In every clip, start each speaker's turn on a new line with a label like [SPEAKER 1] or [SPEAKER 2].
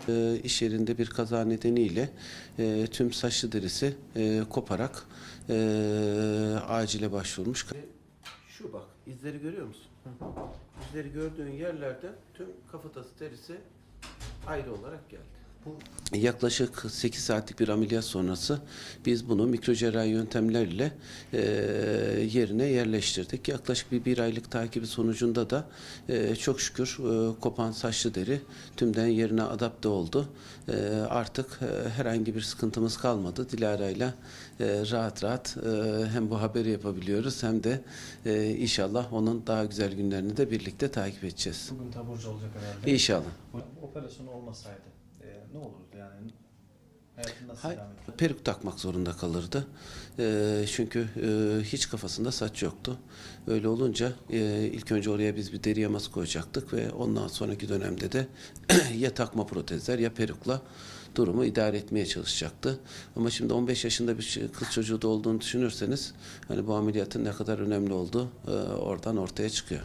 [SPEAKER 1] İş yerinde bir kaza nedeniyle tüm saçlı derisi koparak acile başvurmuş. Şu bak, izleri görüyor musun? İzleri gördüğün yerlerde tüm kafatası derisi ayrı olarak geldi. Yaklaşık 8 saatlik bir ameliyat sonrası biz bunu mikrocerrahi yöntemlerle yerine yerleştirdik. Yaklaşık bir aylık takibi sonucunda da çok şükür kopan saçlı deri tümden yerine adapte oldu. Artık herhangi bir sıkıntımız kalmadı. Dilara'yla rahat rahat hem bu haberi yapabiliyoruz hem de inşallah onun daha güzel günlerini de birlikte takip edeceğiz.
[SPEAKER 2] Bugün taburcu olacak herhalde.
[SPEAKER 1] İnşallah.
[SPEAKER 2] Operasyon olmasaydı ne olurdu yani? Hayatın nasıl devam eder?
[SPEAKER 1] Peruk takmak zorunda kalırdı. Çünkü hiç kafasında saç yoktu. Öyle olunca ilk önce oraya biz bir deri yaması koyacaktık ve ondan sonraki dönemde de ya takma protezler ya perukla durumu idare etmeye çalışacaktı. Ama şimdi 15 yaşında bir kız çocuğu da olduğunu düşünürseniz hani bu ameliyatın ne kadar önemli olduğu oradan ortaya çıkıyor.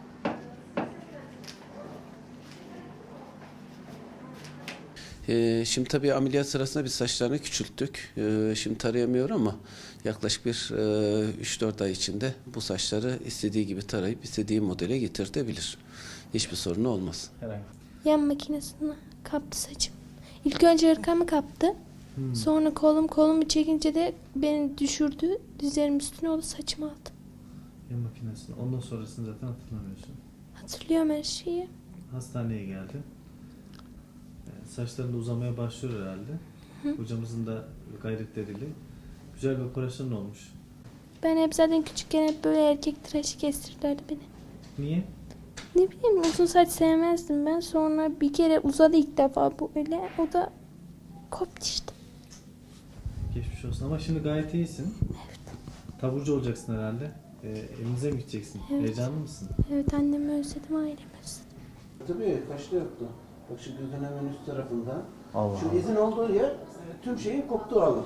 [SPEAKER 1] Şimdi tabii ameliyat sırasında biz saçlarını küçülttük. Şimdi tarayamıyor ama yaklaşık bir 3-4 ay içinde bu saçları istediği gibi tarayıp istediği modele getirtebilir. Hiçbir sorunu olmaz.
[SPEAKER 2] Herhangi.
[SPEAKER 3] Yan makinesine kaptı saçım. İlk önce hırkamı kaptı. Sonra kolumu çekince de beni düşürdü. Dizlerimin üstüne o da saçımı aldı.
[SPEAKER 2] Yan makinesini. Ondan sonrasını zaten hatırlamıyorsun.
[SPEAKER 3] Hatırlıyorum her şeyi.
[SPEAKER 2] Hastaneye geldi. Saçların da uzamaya başlıyor herhalde. Hocamızın da gayretleriyle. Güzel bir operasyon olmuş.
[SPEAKER 3] Ben hep zaten küçükken hep böyle erkek tıraşı kestirdilerdi beni.
[SPEAKER 2] Niye?
[SPEAKER 3] Ne bileyim uzun saç sevmezdim ben. Sonra bir kere uzadı ilk defa bu öyle. O da koptu işte.
[SPEAKER 2] Geçmiş olsun ama şimdi gayet iyisin.
[SPEAKER 3] Evet.
[SPEAKER 2] Taburcu olacaksın herhalde. Evinize mi gideceksin?
[SPEAKER 3] Evet.
[SPEAKER 2] Heyecanlı mısın?
[SPEAKER 3] Evet annemi özledim, ailemi özledim.
[SPEAKER 1] Tabii kaçta yoktu. Bak şu gözün hemen üst tarafında.
[SPEAKER 2] Allah
[SPEAKER 1] Şu izin olduğu yer tüm şeyin koptuğu alan.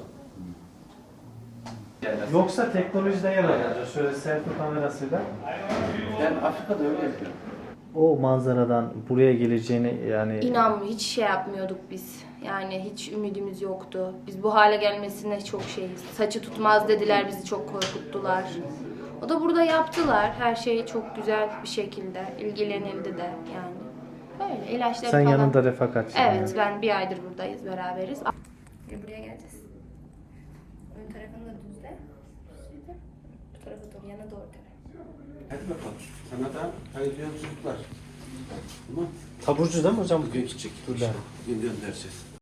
[SPEAKER 2] Yoksa teknolojide yer alacağız. Şöyle selfie kamerasıyla.
[SPEAKER 1] Ben Afrika'da öyle yapıyorum.
[SPEAKER 2] O manzaradan buraya geleceğini yani...
[SPEAKER 4] Hiç şey yapmıyorduk biz. Yani hiç ümidimiz yoktu. Biz bu hale gelmesine çok şeyiz. Saçı tutmaz dediler, bizi çok korkuttular. O da burada yaptılar. Her şey çok güzel bir şekilde. İlgilenildi de yani. Böyle ilaçları
[SPEAKER 2] Sen
[SPEAKER 4] falan.
[SPEAKER 2] yanında refakatçi.
[SPEAKER 4] Evet, ben bir aydır buradayız, beraberiz. Buraya geleceğiz. Ön tarafını da düzle. Bu tarafa doğru, yana doğru.
[SPEAKER 1] Hadi bakalım. Sana da hayırlı yolculuklar. Tamam.
[SPEAKER 2] Taburcu değil mi hocam?
[SPEAKER 1] Bugün gidecek. Bugün göndereceğiz.